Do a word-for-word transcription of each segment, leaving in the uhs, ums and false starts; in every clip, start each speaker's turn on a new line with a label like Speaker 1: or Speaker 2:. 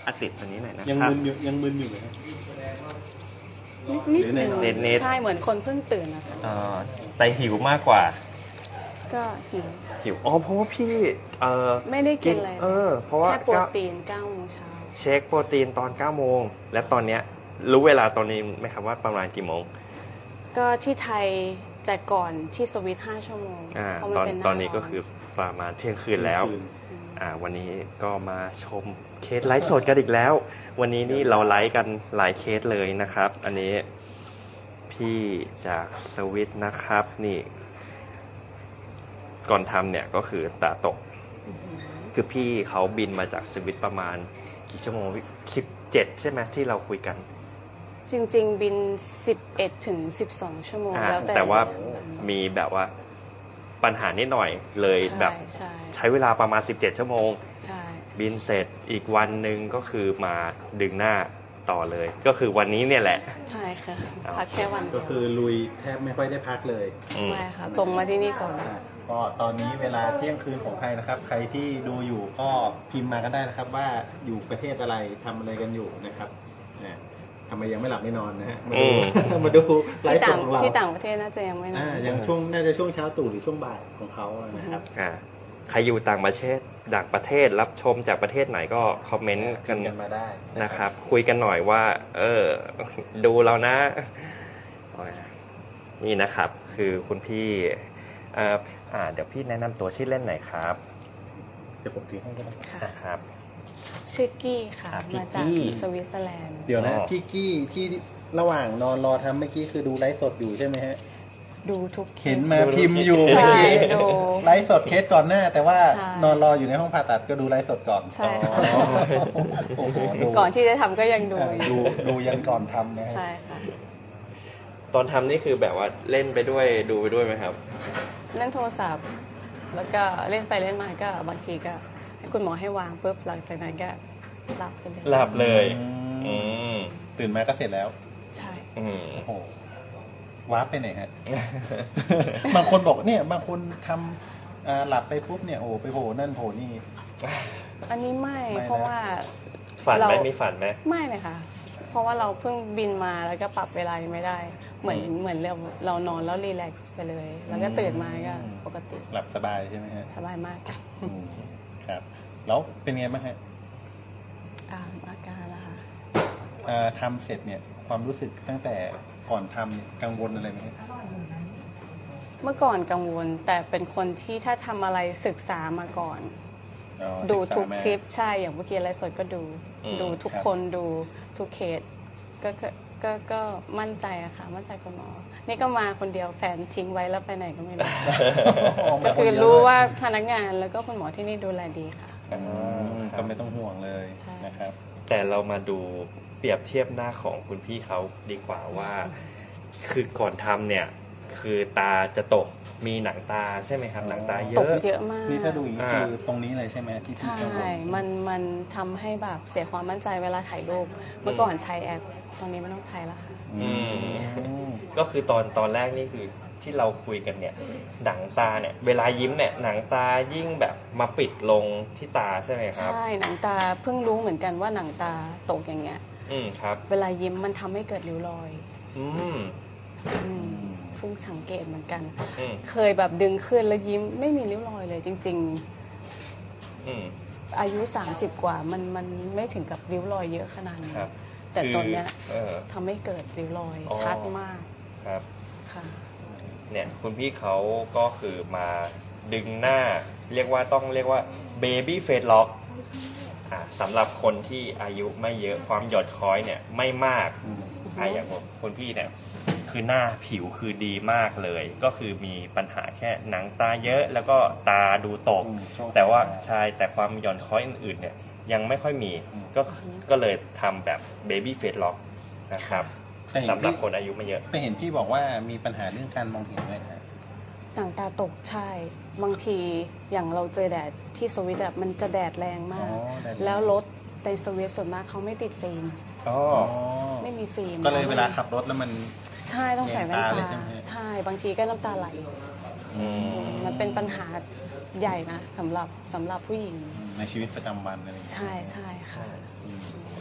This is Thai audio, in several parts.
Speaker 1: อาติดอันนี้หน่อยนะ
Speaker 2: ยัง
Speaker 1: ครับ
Speaker 2: มึนอยู่ยังมึนอยู่ไหมครับ
Speaker 3: นิดนึง
Speaker 1: เน็ตๆ
Speaker 3: ใช่เหมือนคนเพิ่งตื่นนะคะ
Speaker 1: อ่าแต่หิวมากกว่า
Speaker 3: ก็หิว
Speaker 1: หิวอ๋อเพราะว่าพี่เออ
Speaker 3: ไม่ได้กินอะไร
Speaker 1: เออเพราะว่า
Speaker 3: แค่โปรตีนเก้าโมงเช้า
Speaker 1: เช็คโปรตีนตอนเก้าโมงและตอนเนี้ยรู้เวลาตอนนี้ไหมครับว่าประมาณกี่โมง
Speaker 3: ก็ที่ไทยแต่ก่อนที่สวิตห้าชั่วโมง
Speaker 1: อ่า
Speaker 3: เพราะมัน
Speaker 1: ตอน
Speaker 3: เป็นหา
Speaker 1: ตอนนี้ก็
Speaker 3: ร้
Speaker 1: คือประมาณเที่ยงคืนแล้ว
Speaker 2: เที่ยงคืน
Speaker 1: อ่าวันนี้ก็มาชมเคสไลฟ์สดกันอีกแล้ว วันนี้นี่เราไลฟ์กันหลายเคสเลยนะครับ อันนี้พี่จากสวิตนะครับ นี่ ก่อนทำเนี่ยก็คือตาตก คือพี่เขาบินมาจากสวิตประมาณกี่ชั่วโมงสิบเจ็ดใช่ไหมที่เราคุยกัน
Speaker 3: จริง ๆ บินสิบเอ็ดถึงสิบสองชั่วโมง
Speaker 1: อ่า
Speaker 3: แล้วแต่
Speaker 1: แต่ว่ามีแบบว่าปัญหานิดหน่อยเลยแบบ
Speaker 3: ใช่
Speaker 1: ใช้เวลาประมาณสิบเจ็ดชั่วโมง
Speaker 3: ใช่
Speaker 1: บินเสร็จอีกวันหนึ่งก็คือมาดึงหน้าต่อเลย ก็คือวันนี้เนี่ยแหละ
Speaker 3: ใช่ค่ะ
Speaker 1: เอา
Speaker 3: พักแค่วันเดี
Speaker 2: ก็
Speaker 3: ยว
Speaker 2: คือลุยแทบไม่ค่อยได้พักเลย
Speaker 1: อืม
Speaker 3: ไม่ค่ะ ตรงมาที่นี่ก่อน
Speaker 2: อ่าก็ตอนนี้เวลาเที่ยงคืนของไทยนะครับ ใครที่ดูอยู่ก็พิมพ์มากันได้นะครับ ว่าอยู่ประเทศอะไรทำอะไรกันอยู่นะครับเนี่ยทำไมยังไม่หลับไม่นอนนะฮะ มาดู มาดูไล
Speaker 3: ที่
Speaker 2: ฟ์ส
Speaker 3: ต่า
Speaker 2: ด
Speaker 3: ง
Speaker 2: ของเรา
Speaker 3: ที่ต่างประเทศน่าจะยังไม่นอ
Speaker 2: อ่าน ยังช่วงน่าจะช่วงเช้าตู่หรือช่วงบ่ายของเขานะครับ
Speaker 1: อ่าใครอยู่ต่างประเทศต่างประเทศรับชมจากประเทศไหนก็คอมเมนต์กัน
Speaker 2: กันมาได้
Speaker 1: นะครับ คุยกันหน่อยว่า เออ ดูเรานะโอ้ยนี่นะครับ คือคุณพี่อ่าอ่าเดี๋ยวพี่แนะนำตัวชื่อเล่นหน่อยครับ
Speaker 2: เดี๋ยวผมถือให้ก็ได้
Speaker 3: ค่ะ
Speaker 1: นะครับ
Speaker 3: ชื่อกี้ค่ะ
Speaker 1: อ่ะพี่
Speaker 3: มาจาก
Speaker 1: กี้
Speaker 3: สวิตเซอร์แลนด์
Speaker 2: เดี๋ยวนะ
Speaker 1: อ๋อ
Speaker 2: พี่กี้ที่ระหว่างนอนรอทำเมื่อกี้คือดูไลฟ์สดอยู่ใช่ไหมฮะ
Speaker 3: ดูทุกคลิ
Speaker 2: เห็
Speaker 3: ป
Speaker 2: นมาพิมพ์อยู่
Speaker 3: ใช่
Speaker 2: เมื่อกี้
Speaker 3: ดู
Speaker 2: ไลฟ์สดเคสก่อนหน้า แต่ว่า
Speaker 3: ใช่
Speaker 2: นอนรออยู่ในห้องผ่าตัดก็ดูไลฟ์สดก่อน
Speaker 3: ใช่ค่ะ
Speaker 2: อ๋อโอ้โหดู
Speaker 3: ก่อนที่จะทำก็ยังดู
Speaker 2: เออ
Speaker 3: อยู่
Speaker 2: ดูดูยันก่อนทำนะฮะ
Speaker 3: ใช่ค่ะ
Speaker 1: ตอนทำนี่คือแบบว่าเล่นไปด้วยดูไปด้วยไหมครับ
Speaker 3: เล่นโทรศัพท์ แล้วก็เล่นไปเล่นมาก็บางทีก็ให้คุณหมอให้วางปุ๊บหลังจากนั้นก็หลับไปเลย
Speaker 1: หลับเลย
Speaker 2: อื
Speaker 1: อื
Speaker 2: ม
Speaker 1: ม
Speaker 2: ตื่นมาก็เสร็จแล้ว
Speaker 3: ใช่
Speaker 1: อืม
Speaker 2: โอ้โหวาร์ปไปไหนฮะ บางคนบอกเนี่ย บางคนทำอ่าหลับไปปุ๊บเนี่ยโอ้ไปโผล่นั่นโผล่นี่
Speaker 3: อันนี้ไม่
Speaker 2: ไม่นะ
Speaker 3: เพราะว่า
Speaker 1: ฝันไหม
Speaker 3: เรา
Speaker 1: มีฝันไหม
Speaker 3: ไม่เลยค่ะ เพราะว่าเราเพิ่งบินมาแล้วก็ปรับเวลายังไม่ได้ เหมือน
Speaker 1: อืม
Speaker 3: เหมือนเราเรานอนแล้วรีแลกซ์ไปเลย แล้วก็ตื่นมาก็ปกติ
Speaker 2: หลับสบายใช่ไหมฮะ
Speaker 3: สบายมาก
Speaker 2: อืมครับ แล้วเป็นไงบ้างฮะ
Speaker 3: อ่าอาการละค่ะ
Speaker 2: อ่าทำเสร็จเนี่ย ความรู้สึกตั้งแต่ก่อนทำเนี่ยกังวลอะไรไหมฮะ
Speaker 3: เมื่อก่อนกังวล แต่เป็นคนที่ถ้าทำอะไรศึกษามาก่อน
Speaker 2: อ๋อ
Speaker 3: ดู
Speaker 2: ศึษา
Speaker 3: ทุก
Speaker 2: มา
Speaker 3: คลิปใช่อย่างเมื่อกี้ไลฟ์สดก็ดู
Speaker 1: อืม
Speaker 3: ดูทุก
Speaker 2: ครับ
Speaker 3: คนดูทุกเคสก็ก็ก็ก็มั่นใจอะค่ะ มั่นใจคุณหมอ นี่ก็มาคนเดียวแฟนทิ้งไว้แล้วไปไหนก็ไม่รู้ ก็คือรู้ว่าพนักงานแล้วก็คุณหมอที่นี่ดูแลดีค่ะ
Speaker 2: อืมก็ไม่ต้องห่วงเลย
Speaker 3: ใช่
Speaker 2: นะครับ
Speaker 1: แต่เรามาดูเปรียบเทียบหน้าของคุณพี่เขาดีกว่าว่า คือก่อนทำเนี่ย คือตาจะตกมีหนังตาใช่ไหมครับ หนังตาเย
Speaker 3: ตก
Speaker 1: อะ
Speaker 3: เยอะมาก
Speaker 2: นี่ถ้าดูอย่างนี้
Speaker 1: อ่า
Speaker 2: คือตรงนี้เลยใช่ไหมที่พี่
Speaker 3: ใช่
Speaker 2: กังวล
Speaker 3: มันมันทำให้แบบเสียความมั่นใจเวลาถ่ายรูป เมื่อก่อนใช้แอป ตอนนี้ไม่ต้องใช้แล้วค่ะ
Speaker 2: อืม
Speaker 1: ก็คือตอนตอนแรกนี่คือที่เราคุยกันเนี่ย หนังตาเนี่ย เวลายิ้มเนี่ย หนังตายิ่งแบบมาปิดลงที่ตาใช่ไหมครับ
Speaker 3: ใช่ หนังตาเพิ่งรู้เหมือนกันว่าหนังตาตกอย่างเงี้ย
Speaker 1: อืมครับ
Speaker 3: เวลายิ้มมันทำให้เกิดริ้วรอย
Speaker 1: อืม
Speaker 3: อืมเพิ่งสังเกตเหมือนกัน
Speaker 1: อืม
Speaker 3: เคยแบบดึงขึ้นแล้วยิ้มไม่มีริ้วรอยเลยจริง
Speaker 1: อืม
Speaker 3: ๆ อายุ สามสิบ กว่ามันมันไม่ถึงกับริ้วรอยเยอะขนาดนี้
Speaker 1: ครับ
Speaker 3: แต่ตอนเนี้ย
Speaker 1: เออ
Speaker 3: ทำให้เกิดริ้วรอย
Speaker 1: อ๋อ
Speaker 3: ชัดมาก
Speaker 1: ครับ
Speaker 3: ค่ะ
Speaker 1: เนี่ยคุณพี่เขาก็คือมาดึงหน้า เรียกว่าต้องเรียกว่า baby face lock อ่าสำหรับคนที่อายุไม่เยอะความหย่อนคล้อยเนี่ยไม่มาก
Speaker 2: อืม
Speaker 1: อ่าอย่างผมคุณพี่เนี่ยคือหน้าผิวคือดีมากเลย ก็คือมีปัญหาแค่หนังตาเยอะแล้วก็ตาดูตก
Speaker 2: อืมช่วง
Speaker 1: แต่ว่า
Speaker 2: ตา
Speaker 1: ใช่แต่ความหย่อนคล้อยอื่นๆเนี่ยยังไม่ค่อยมี
Speaker 2: อืม
Speaker 1: ก็ก็เลยทำแบบ baby face lock นะครับ
Speaker 2: แต่เห็น
Speaker 1: สำหรับ
Speaker 2: พี่
Speaker 1: คนอายุไม่เยอะ
Speaker 2: แต่เห็นพี่บอกว่ามีปัญหาเรื่องการมองเห็นด้วยนะ
Speaker 3: หนังตาตกใช่ บางทีอย่างเราเจอแดดที่สวิตอะมันจะแดดแรงมาก
Speaker 2: อ๋อแดดแรง
Speaker 3: แล้วรถในสวิตส่วนมากเขาไม่ติดฟิล์ม
Speaker 1: อ๋อ
Speaker 3: ไม่มีฟิล์ม
Speaker 2: ก็เลยเวลาขับรถแล้วมัน
Speaker 3: ใช่ต้องใส่แว่น
Speaker 2: แยงตา
Speaker 3: ตา
Speaker 2: เลยใช่ไหม
Speaker 3: ใช่ บางทีก็น้ำตาไหล
Speaker 1: อืม
Speaker 3: มันเป็นปัญหาใหญ่นะสำหรับสำหรับผู้หญิง
Speaker 2: ในชีวิตประจำวันอะไรอย่างเงี้ย
Speaker 3: ใช่ใช่ค่ะ
Speaker 2: อืม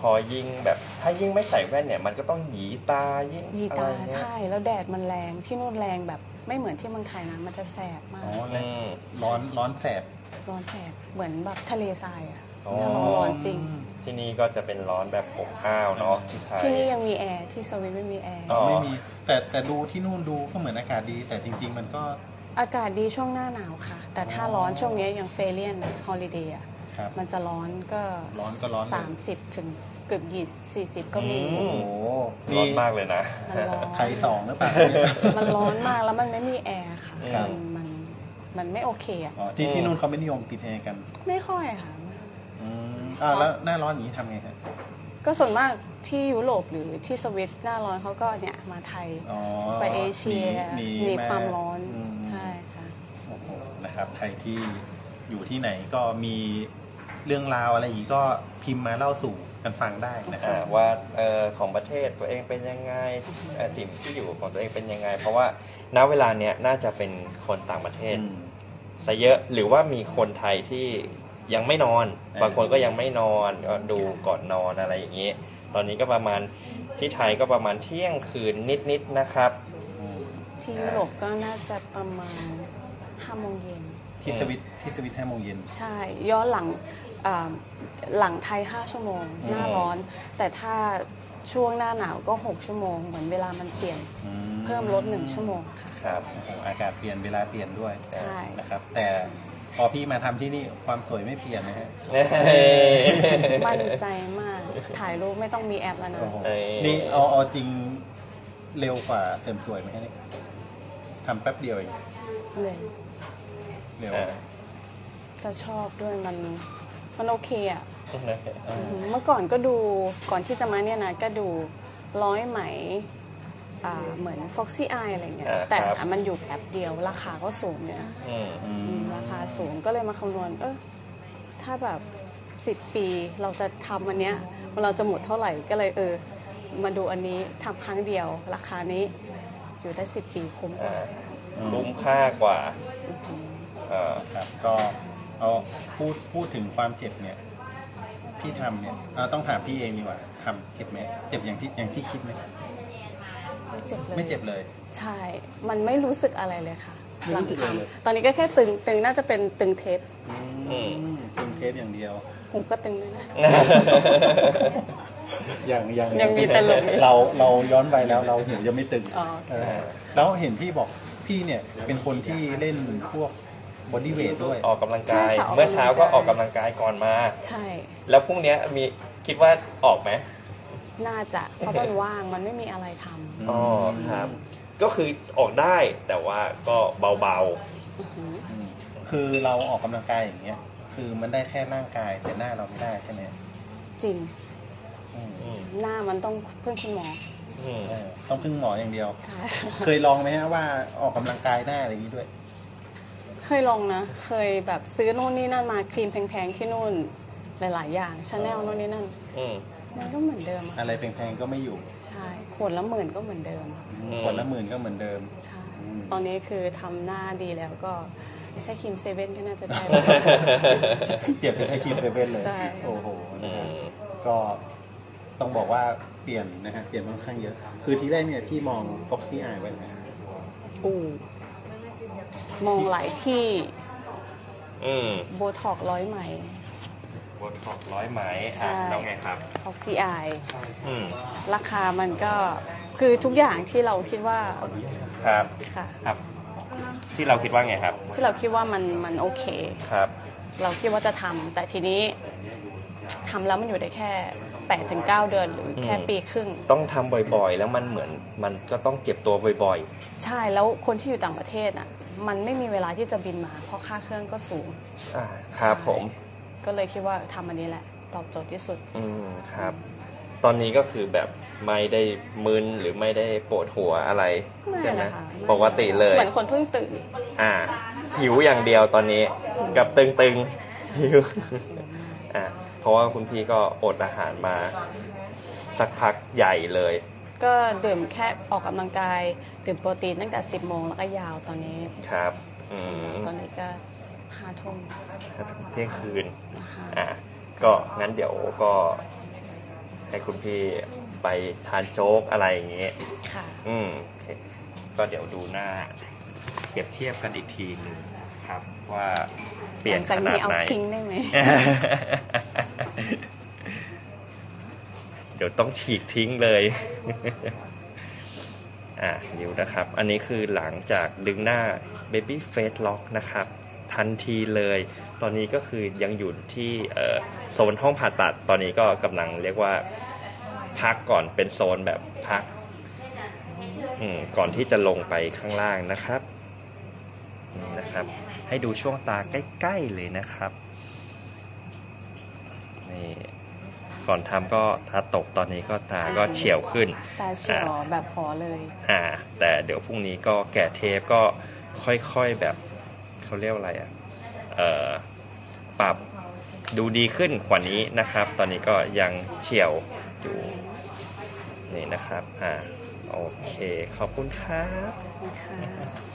Speaker 1: อยิ่งแบบถ้ายิ่งไม่ใส่แว่นเนี่ยมันก็ต้องหยีตายิ่ง
Speaker 3: ยี
Speaker 1: อะไร
Speaker 3: ตา
Speaker 1: เงี้ย
Speaker 3: ใช่แล้วแดดมันแรงที่นู่นแรงแบบไม่เหมือนที่เมืองไทยนะมันจะแสบมา
Speaker 2: อ๋
Speaker 3: ก
Speaker 2: อแล้ว
Speaker 1: อืม
Speaker 2: ร้อนร้อนแสบ
Speaker 3: ร้อนแสบเหมือนแบบทะเลทรายอะ
Speaker 1: อ๋อ
Speaker 3: ถ้าร้อนร้อนจริง
Speaker 1: ที่นี่ก็จะเป็นร้อนแบบอบอ้าวเนาะที่ไทย
Speaker 3: ที่นี่ยังมีแอร์ที่สวิตไม่มีแอร์
Speaker 1: อ๋อ
Speaker 2: ไม่มีแต่แต่ดูที่นู่นดูก็เหมือนอากาศดี แต่จริง ๆ มันก็
Speaker 3: อากาศดีช่วงหน้าหนาวค่ะ แต่ถ้าร้อนช่วงนี้อย่างเฟเลียนฮอลิเดย์อะ
Speaker 2: ครับ
Speaker 3: มันจะร้อนก็
Speaker 2: ร้อนก็ร้อนเลย
Speaker 3: สามสิบถึงเกือบยี่สี่สิบก็มี
Speaker 1: อื
Speaker 2: โอ้
Speaker 1: ม
Speaker 2: โห
Speaker 1: ร้อนมากเลยนะ
Speaker 3: มันร้อน
Speaker 2: ไทยสองหรือเปล่า
Speaker 3: มันร้อนมากแล้วมันไม่มีแอร์ค่ะ
Speaker 1: ครับ
Speaker 3: มันมันมันไม่โอเคอ่ะ
Speaker 2: อ๋อที่ที่นู่นเขาไม่นิยมติดแอร์กัน
Speaker 3: ไม่ค่อยค่ะ
Speaker 2: อืมอ่าแล้วหน้าร้อนอย่างนี้ทำไงครับ
Speaker 3: ก็ส่วนมากที่ยุโรปหรือที่สวิตหน้าร้อนเขาก็เนี่ยมาไทย
Speaker 2: อ๋อ
Speaker 3: ไปเอเชีย
Speaker 2: หนี
Speaker 3: หนี
Speaker 2: ห
Speaker 3: ความร้อน
Speaker 2: ม
Speaker 3: ใช่ค่ะ
Speaker 2: โอ้โหนะครับใครที่อยู่ที่ไหนก็มีเรื่องราวอะไรอย่างนี้ก็พิมพ์มาเล่าสู่กันฟังได้นะครั
Speaker 1: อ่า
Speaker 2: บ
Speaker 1: ว่าเอ่อของประเทศตัวเองเป็นยังไงเอ่อถิ่นที่อยู่ของตัวเองเป็นยังไง เพราะว่าณเวลาเนี้ยน่าจะเป็นคนต่างประเทศ
Speaker 2: อืม
Speaker 1: ซะเยอะหรือว่ามีคนไทยที่ยังไม่นอน
Speaker 2: เออบ
Speaker 1: างคนก็ยังไม่นอนก็ดูก่อนนอนอะไรอย่างนี้ ตอนนี้ก็ประมาณที่ไทยก็ประมาณเที่ยงคืนนิดๆนะครับ
Speaker 2: อืม
Speaker 3: ที่ยุโรปก็น่าจะประมาณห้าโมงเย็น
Speaker 2: ที่สวิตที่สวิตห้าโมงเย็น
Speaker 3: ใช่ ย้อนหลังอ่าหลังไทยห้าชั่วโมง หน้าร้อน แต่ถ้าช่วงหน้าหนาวก็หกชั่วโมง เหมือนเวลามันเปลี่ยน
Speaker 2: อื
Speaker 3: เพิ่มลดหนึ่งชั่วโมงค่ะ
Speaker 1: ครับ
Speaker 2: โอ้โหอากาศเปลี่ยนเวลาเปลี่ยนด้วย
Speaker 3: ใช่
Speaker 2: นะครับ แต่พอพี่มาทำที่นี่ความสวยไม่เปลี่ยนนะฮะ
Speaker 3: มั่นใจมาก ถ่ายรูปไม่ต้องมีแอปแล้วนะ
Speaker 2: โอ้โห
Speaker 1: เอ้ย
Speaker 2: นี่เอาเอาจริงเร็วกว่าเสริมสวยไหมฮะเนี่ยทำแป๊บเดียวเอง
Speaker 3: เลย
Speaker 2: เร็ว
Speaker 1: อ่า
Speaker 3: แต่ชอบด้วยมันมันโอเคอ่ะ
Speaker 2: อ่า
Speaker 3: เมื่อก่อนก็ดูก่อนที่จะมาเนี่ยนะก็ดูร้อยไหมอ่าเหมือน Foxy Eye อะไรเงี้ย
Speaker 1: อ่า
Speaker 3: แต่
Speaker 1: ครับ
Speaker 3: มันอยู่แป๊บเดียวราคาก็สูงเนี่ยนะ
Speaker 1: อืม
Speaker 2: อื
Speaker 3: อื
Speaker 2: ม
Speaker 3: มราคาสูงก็เลยมาคำนวณเออถ้าแบบสิบปีเราจะทำอันเนี้ยเราจะหมดเท่าไหร่ก็เลยเออ มาดูอันนี้ทำครั้งเดียว ราคานี้อยู่ได้สิบปีคุ้มกว่า
Speaker 1: อ่าคุ้มค่ากว่าเอ่อ
Speaker 2: ครับก็เอาพูดพูดถึงความเจ็บเนี่ยพี่ทำเนี่ยเอาต้องถามพี่เองดีกว่าทำเจ็บไหมเจ็บอย่างที่อย่างที่คิดไหม
Speaker 3: ไม่เจ็บเลย
Speaker 2: ไม่เจ็บเลย
Speaker 3: ใช่ มันไม่รู้สึกอะไรเลยค่ะ
Speaker 2: ไม่รู้สึกอะไรเลย
Speaker 3: หงทำตอนนี้ก็แค่ตึงตึงน่าจะเป็นตึงเทป
Speaker 2: อืมเป็นเทปอย่างเดียว
Speaker 3: หูก็ตึงด้วยนะ
Speaker 2: อย่างอย่าง
Speaker 3: ยังมีตลกอยู่
Speaker 2: เราเราย้อนไปแล้วเราเห็นยังไม่ตึง
Speaker 3: อ๋อโอเค
Speaker 2: เออแล้วเห็นพี่บอกพี่เนี่ยเป็นคนที่เล่นพวกบอดี้เวทด้วย
Speaker 1: ออกกำลังกาย
Speaker 3: ใช่ค่ะออกกำลังกาย
Speaker 1: เมื่อเช้าก็ออกกำลังกายก่อนมา
Speaker 3: ใช่
Speaker 1: แล้วพรุ่งเนี้ยมีคิดว่าออกไหม
Speaker 3: น่าจะเพราะมันว่างมันไม่มีอะไรทำ
Speaker 1: อ๋อครับ ก็คือออกได้แต่ว่าก็เบา
Speaker 3: อื้อหือ
Speaker 2: อืมคือเราออกกำลังกายอย่างเงี้ย คือมันได้แค่ร่างกายแต่หน้าเราไม่ได้ใช่ไหม
Speaker 3: จริง
Speaker 2: อืม
Speaker 1: ๆอืม
Speaker 3: หน้ามันต้องพึ่งคุณหมอ
Speaker 1: อืม
Speaker 2: เออต้องพึ่งหมออย่างเดียว
Speaker 3: ใช่
Speaker 2: เคยลองไหมฮะว่าออกกำลังกายหน้าอะไรอย่างนี้ด้วย
Speaker 3: เคยลองนะ เคยแบบซื้อโน่นนี่นั่นมาครีมแพงๆที่นู่นหลาย ๆ อย่างชาแนลโน่นนี่นั่น
Speaker 1: อืม
Speaker 3: มันก็เหมือนเดิมอะ
Speaker 2: อะไรแพงๆก็ไม่อยู่
Speaker 3: ใช่ขวดละหมื่นก็เหมือนเดิม
Speaker 1: อืม
Speaker 2: คนละหมื่นก็เหมือนเดิม
Speaker 3: ใช่
Speaker 2: อืม
Speaker 3: ตอนนี้คือทำหน้าดีแล้วก็ใช้ครีมเซเว่นก็น่าจะได้แล้ว
Speaker 2: เปลี่ยนไปใช้ครีมเซเว่นเลย
Speaker 3: ใช่
Speaker 2: โอ้โห
Speaker 1: อื
Speaker 2: นะฮะ
Speaker 1: ม
Speaker 2: ก็ต้องบอกว่าเปลี่ยนนะฮะเปลี่ยนค่อนข้างเยอะ คือที่แรกเนี่ยพี่มอง Foxy Eye ไว้นะ
Speaker 3: อูมองหลายที่
Speaker 1: อืม
Speaker 3: โบท็อกร้อยไหม
Speaker 1: โบท็อกร้อยไหม
Speaker 3: ใช่
Speaker 1: อ่ะแล้วไงครับ
Speaker 3: ฟ็อกซี่อาย
Speaker 1: อืม
Speaker 3: ราคามันก็คือทุกอย่างที่เราคิดว่า
Speaker 2: ขออนุญาตนะครับ
Speaker 1: ครับ
Speaker 3: ค่ะ
Speaker 1: ครับ ที่เราคิดว่าไงครับ
Speaker 3: ที่เราคิดว่ามันมันโอเค
Speaker 1: ครับ
Speaker 3: เราคิดว่าจะทำแต่ทีนี้ทำแล้วมันอยู่ได้แค่แปดถึงเก้าเดือนหรือแค่
Speaker 1: อืม
Speaker 3: ปีครึ่ง
Speaker 1: ต้องทำบ่อยๆ แล้วมันเหมือนมันก็ต้องเจ็บตัวบ่อย
Speaker 3: ใช่แล้วคนที่อยู่ต่างประเทศอ่ะมันไม่มีเวลาที่จะบินมา เพราะค่าเครื่องก็สูง
Speaker 1: ๆ อ่าครับผม
Speaker 3: ก็เลยคิดว่าทำอันนี้แหละ ตอบโจทย์ที่สุด
Speaker 1: อืมครับ ตอนนี้ก็คือแบบไม่ได้มึนหรือไม่ได้ปวดหัวอะไร
Speaker 3: ไม่
Speaker 1: ใช่ไหม
Speaker 3: นะคะไม่
Speaker 1: ปกติเลย
Speaker 3: เหมือนคนเพิ่งตื่น
Speaker 1: อ่า หิวอย่างเดียวตอนนี้กับตึงๆหิวอ่าเพราะว่าคุณพี่ก็อดอาหารมาสักพักใหญ่เลย
Speaker 3: ก็ดื่มแค่ออกกำลังกายดื่มโปรตีนตั้งแต่สิบโมงแล้วก็ยาวตอนนี้
Speaker 1: ครับ อืม
Speaker 3: ตอนนี้ก็ห้าทุ่ม
Speaker 1: เที่ยงคืน
Speaker 3: นะคะ
Speaker 1: อ่ะก็งั้นเดี๋ยวก็ให้คุณพี่ไปทานโจ๊กอะไรอย่างเงี้ย
Speaker 3: ค่ะ
Speaker 1: อืมโอเคก็เดี๋ยวดูหน้าเปรียบเทียบกันอีกทีหนึงครับ ว่าเปลี่ยนขนาด
Speaker 3: เอา
Speaker 1: ไหน
Speaker 3: ทิ้งได้ไหม
Speaker 1: เดี๋ยวต้องฉีกทิ้งเลย อ่ะเดี๋ยวนะครับ อันนี้คือหลังจากดึงหน้า Baby Face Lock นะครับ ทันทีเลย ตอนนี้ก็คือยังอยู่ที่เอ่อโซนห้องผ่าตัด ตอนนี้ก็กำลังเรียกว่าพักก่อนเป็นโซนแบบพักอืมก่อนที่จะลงไปข้างล่างนะครับนี่นะครับ ให้ดูช่วงตาใกล้ๆเลยนะครับนี่ก่อนทำก็ตาตกตอนนี้ก็ตาก็เฉียวขึ้น
Speaker 3: ตาเฉียวแบบขอเลย
Speaker 1: อ่า แต่เดี๋ยวพรุ่งนี้ก็แกะเทปก็ค่อยๆแบบเขาเรียกว่าอะไรอ่ะเอ่อปรับดูดีขึ้นกว่านี้นะครับ ตอนนี้ก็ยังเฉียวอยู่นี่นะครับอ่าโอเคขอบคุณครับ
Speaker 3: ค่ะ